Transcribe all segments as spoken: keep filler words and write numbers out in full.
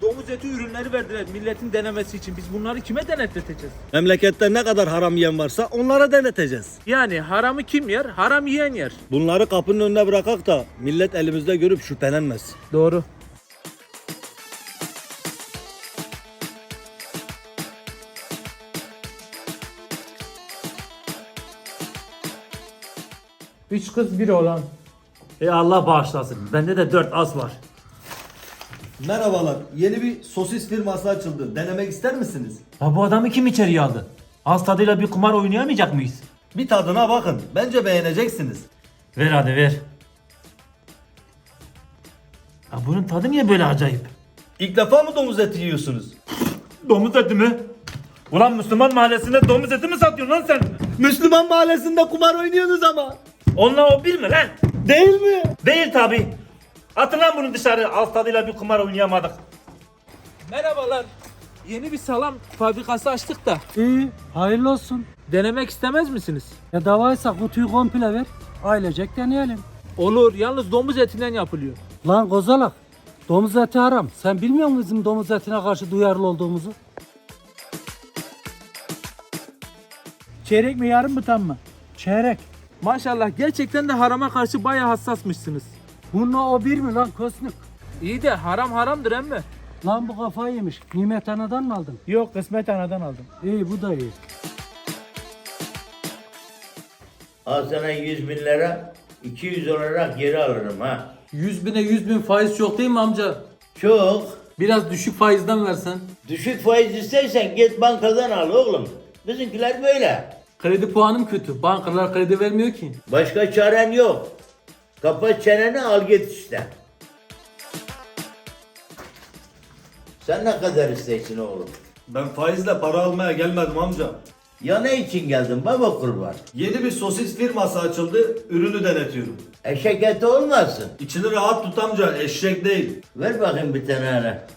domuz eti ürünleri verdiler milletin denemesi için. Biz bunları kime denetleteceğiz? Memlekette ne kadar haram yiyen varsa onlara deneteceğiz. Yani haramı kim yer? Haram yiyen yer. Bunları kapının önüne bırakak da millet elimizde görüp şüphelenmez. Doğru. Üç kız bir oğlan. E Allah bağışlasın. Bende de dört az var. Merhabalar. Yeni bir sosis firması açıldı. Denemek ister misiniz? Ya bu adamı kim içeriye aldı? Ağız tadıyla bir kumar oynayamayacak mıyız? Bir tadına bakın. Bence beğeneceksiniz. Ver hadi ver. Ya bunun tadı niye böyle acayip? İlk defa mı domuz eti yiyorsunuz? Domuz eti mi? Ulan Müslüman mahallesinde domuz eti mi satıyorsun lan sen? Müslüman mahallesinde kumar oynuyorsunuz ama. Onunla o bir mi lan? Değil mi? Değil tabi. Atın lan bunu dışarı. Ağız tadıyla bir kumar oynayamadık. Merhabalar. Yeni bir salam fabrikası açtık da. İyi, hayırlı olsun. Denemek istemez misiniz? Ya davaysa kutuyu komple ver. Ailecek deneyelim. Olur. Yalnız domuz etinden yapılıyor. Lan kozalak, domuz eti haram. Sen bilmiyor musun bizim domuz etine karşı duyarlı olduğumuzu? Çeyrek mi yarım mı tam mı? Çeyrek. Maşallah gerçekten de harama karşı bayağı hassasmışsınız. Bununla o bir mi lan kosnuk? İyi de haram haramdır emmi. Lan bu kafayı yemiş. Nimet anadan mı aldın? Yok kısmet anadan aldım. İyi bu da iyi. Al sana yüz bin lira, iki yüz olarak geri alırım ha. yüz bine yüz bin faiz çok değil mi amca? Çok. Biraz düşük faizden versen. Düşük faiz istersen git bankadan al oğlum. Bizimkiler böyle. Kredi puanım kötü. Bankalar kredi vermiyor ki. Başka çaren yok. Kapat çeneni al git işte. Sen ne kadar istersin oğlum? Ben faizle para almaya gelmedim amca. Ya ne için geldin baba kurban? Yeni bir sosis firması açıldı. Ürünü denetiyorum. Eşek eti olmasın. İçini rahat tut amca. Eşek değil. Ver bakayım bir tane hele.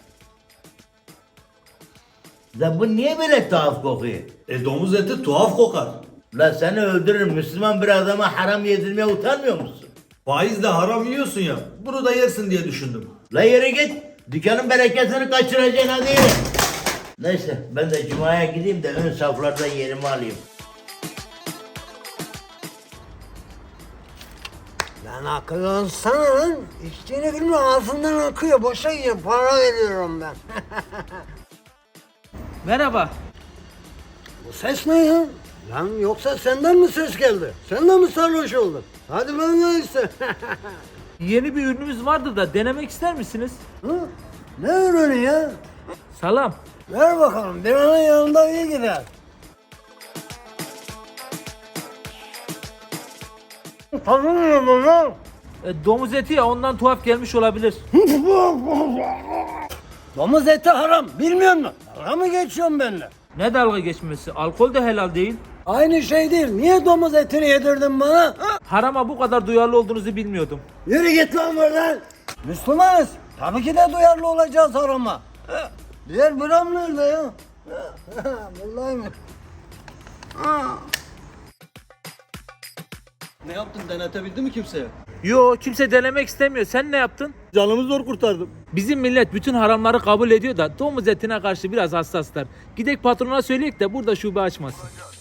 Da bu niye böyle tuhaf kokuyor? E domuz eti tuhaf kokar. La seni öldürürüm. Müslüman bir adama haram yedirmeye utanmıyor musun? Faizle haram yiyorsun ya. Bunu da yersin diye düşündüm. La yürü git. Dükkanın bereketini kaçıracaksın hadi yürü. Neyse ben de cumaya gideyim de ön saflardan yerimi alayım. Lan akıl olsana lan. İçtiğini bilmiyorum ağzından akıyor. Boşa gidiyor. Para veriyorum ben. Merhaba. Bu ses ne ya? Lan yoksa senden mi ses geldi? Sen de mi sarhoş oldun? Hadi ben de işte. Yeni bir ürünümüz vardı da denemek ister misiniz? Hı? Ne ürünü ya? Salam. Ver bakalım. Bir anın yanında iyi gider. Tanımıyor mu lan? E, domuz eti ya ondan tuhaf gelmiş olabilir. Domuz eti haram. Bilmiyor musun? Dalga mı geçiyorsun benimle? Ne dalga geçmesi? Alkol de helal değil. Aynı şey değil. Niye domuz etini yedirdin bana? Ha? Harama bu kadar duyarlı olduğunuzu bilmiyordum. Yürü git lan buradan. Müslümanız. Tabii ki de duyarlı olacağız harama. Ha, diğer buram nerede ya? Ha, buradaymış. Ha. Ne yaptın? Denetebildi mi kimseye? Yo kimse denemek istemiyor. Sen ne yaptın? Canımı zor kurtardım. Bizim millet bütün haramları kabul ediyor da domuz etine karşı biraz hassaslar. Gidek patrona söyleyek de burada şube açmasın.